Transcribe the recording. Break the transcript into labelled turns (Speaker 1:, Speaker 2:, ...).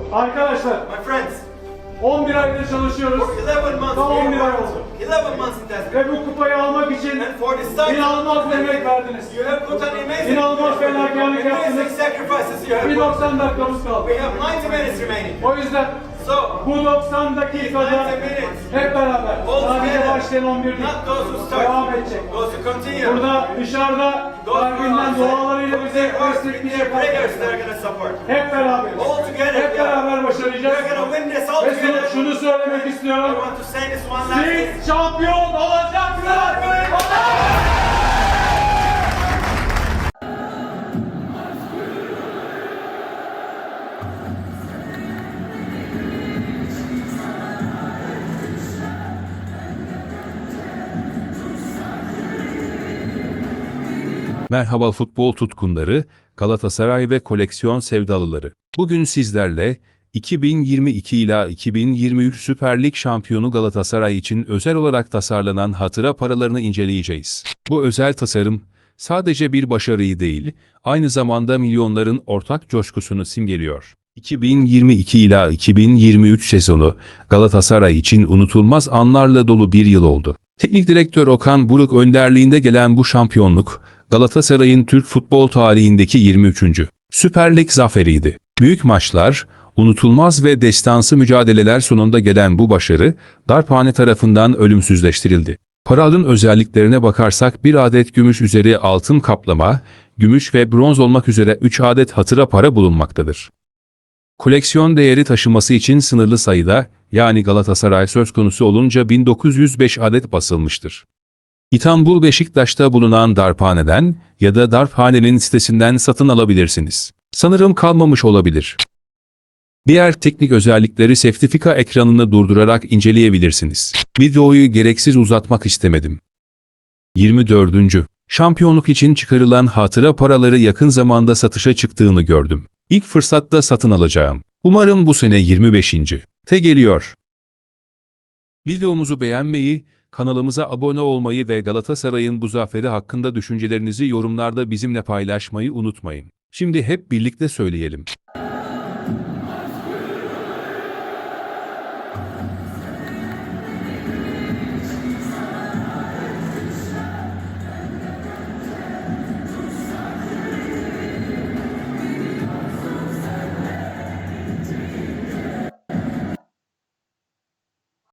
Speaker 1: Arkadaşlar,
Speaker 2: My friends,
Speaker 1: 11 aydır çalışıyoruz.
Speaker 2: for 11 months,
Speaker 1: Tam
Speaker 2: we
Speaker 1: 11 ay
Speaker 2: have
Speaker 1: oldu.
Speaker 2: worked 11 months in Desperate.
Speaker 1: Ve bu kupayı almak için
Speaker 2: And for this time,
Speaker 1: inanılmaz bir emek verdiniz.
Speaker 2: you have put an amazing,
Speaker 1: İnanılmaz fedakarlık
Speaker 2: amazing
Speaker 1: yaptınız.
Speaker 2: sacrifices you have
Speaker 1: Bir
Speaker 2: put.
Speaker 1: 90 dakikamız kaldı.
Speaker 2: We have 90 minutes remaining.
Speaker 1: O yüzden
Speaker 2: So,
Speaker 1: bu 90 dakikada
Speaker 2: 90 minutes,
Speaker 1: hep beraber
Speaker 2: all
Speaker 1: sadece
Speaker 2: together,
Speaker 1: başlayan 11 değil.
Speaker 2: not those who
Speaker 1: Devam
Speaker 2: start,
Speaker 1: edecek.
Speaker 2: those who continue.
Speaker 1: Burada dışarıda kalbinden dualarıyla bize destekleyecek
Speaker 2: prayers that
Speaker 1: arkadaşlar.
Speaker 2: are going to support.
Speaker 1: Hep beraber.
Speaker 2: All together,
Speaker 1: Hep
Speaker 2: yeah.
Speaker 1: beraber başaracağız.
Speaker 2: We're going to win this all
Speaker 1: Ve
Speaker 2: together.
Speaker 1: şunu söylemek
Speaker 2: I
Speaker 1: istiyorum.
Speaker 2: want to say this one last thing.
Speaker 1: Siz şampiyon olacaksınız.
Speaker 3: Merhaba futbol tutkunları, Galatasaray ve koleksiyon sevdalıları. Bugün sizlerle 2022 ila 2023 Süper Lig şampiyonu Galatasaray için özel olarak tasarlanan hatıra paralarını inceleyeceğiz. Bu özel tasarım sadece bir başarıyı değil, aynı zamanda milyonların ortak coşkusunu simgeliyor. 2022 ila 2023 sezonu Galatasaray için unutulmaz anlarla dolu bir yıl oldu. Teknik direktör Okan Buruk önderliğinde gelen bu şampiyonluk, Galatasaray'ın Türk futbol tarihindeki 23. Süper Lig zaferiydi. Büyük maçlar, unutulmaz ve destansı mücadeleler sonunda gelen bu başarı, darphane tarafından ölümsüzleştirildi. Paranın özelliklerine bakarsak bir adet gümüş üzeri altın kaplama, gümüş ve bronz olmak üzere 3 adet hatıra para bulunmaktadır. Koleksiyon değeri taşıması için sınırlı sayıda, yani Galatasaray söz konusu olunca 1905 adet basılmıştır. İstanbul Beşiktaş'ta bulunan darphaneden ya da darphanenin sitesinden satın alabilirsiniz. Sanırım kalmamış olabilir. Diğer teknik özellikleri sertifika ekranını durdurarak inceleyebilirsiniz. Videoyu gereksiz uzatmak istemedim. 24. Şampiyonluk için çıkarılan hatıra paraları yakın zamanda satışa çıktığını gördüm. İlk fırsatta satın alacağım. Umarım bu sene 25. te geliyor. Videomuzu beğenmeyi, kanalımıza abone olmayı ve Galatasaray'ın bu zaferi hakkında düşüncelerinizi yorumlarda bizimle paylaşmayı unutmayın. Şimdi hep birlikte söyleyelim.